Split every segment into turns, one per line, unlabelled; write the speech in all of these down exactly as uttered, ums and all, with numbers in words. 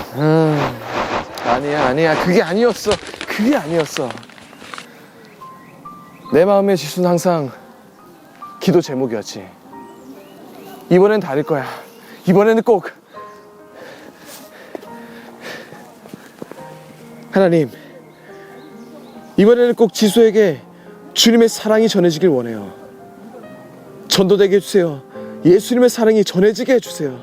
음, 아니야, 아니야. 그게 아니었어. 그게 아니었어. 내 마음의 지수는 항상 기도 제목이었지. 이번엔 다를 거야. 이번에는 꼭 하나님, 이번에는 꼭 지수에게 주님의 사랑이 전해지길 원해요. 전도되게 해주세요. 예수님의 사랑이 전해지게 해주세요.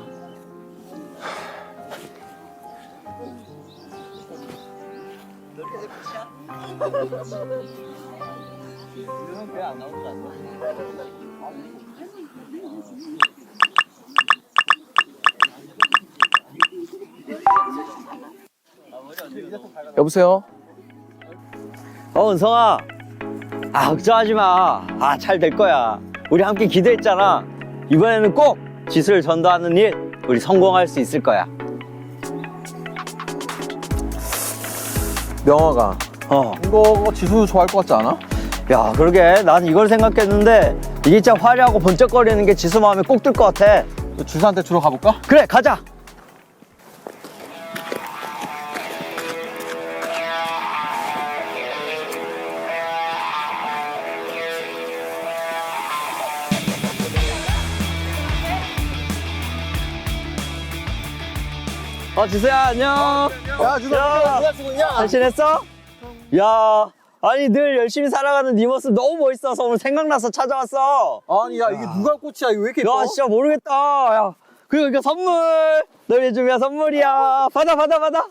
여보세요?
어, 은성아. 아, 걱정하지 마. 아, 잘 될 거야. 우리 함께 기도했잖아. 이번에는 꼭 지수를 전도하는 일, 우리 성공할 수 있을 거야.
명화가,
어.
이거 지수 좋아할 것 같지 않아?
야, 그러게. 난 이걸 생각했는데, 이게 진짜 화려하고 번쩍거리는 게 지수 마음에 꼭 들 것 같아.
주사한테 주러 가볼까?
그래, 가자. 어, 지수야, 안녕.
야, 주사, 누가 쓰고 있냐?
잘 지냈어? 야, 아니 늘 열심히 살아가는 네 모습 너무 멋있어서 오늘 생각나서 찾아왔어.
아니, 야, 이게 누가 꽃이야? 이거 왜 이렇게 예뻐?
야, 진짜 모르겠다. 야, 그리고 이거 선물. 너희 준비한 선물이야. 받아, 받아, 받아.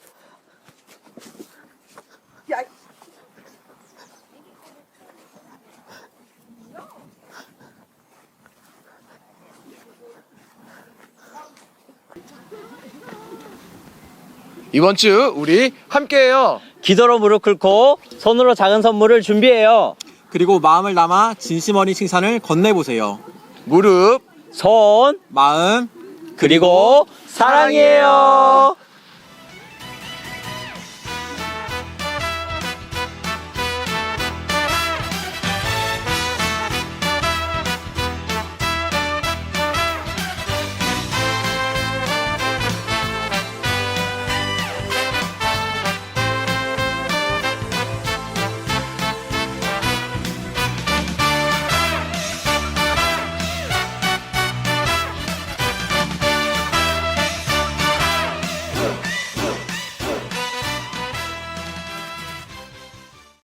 이번 주 우리 함께해요.
기도로 무릎 꿇고 손으로 작은 선물을 준비해요.
그리고 마음을 담아 진심 어린 칭찬을 건네보세요.
무릎,
손,
마음,
그리고 사랑이에요.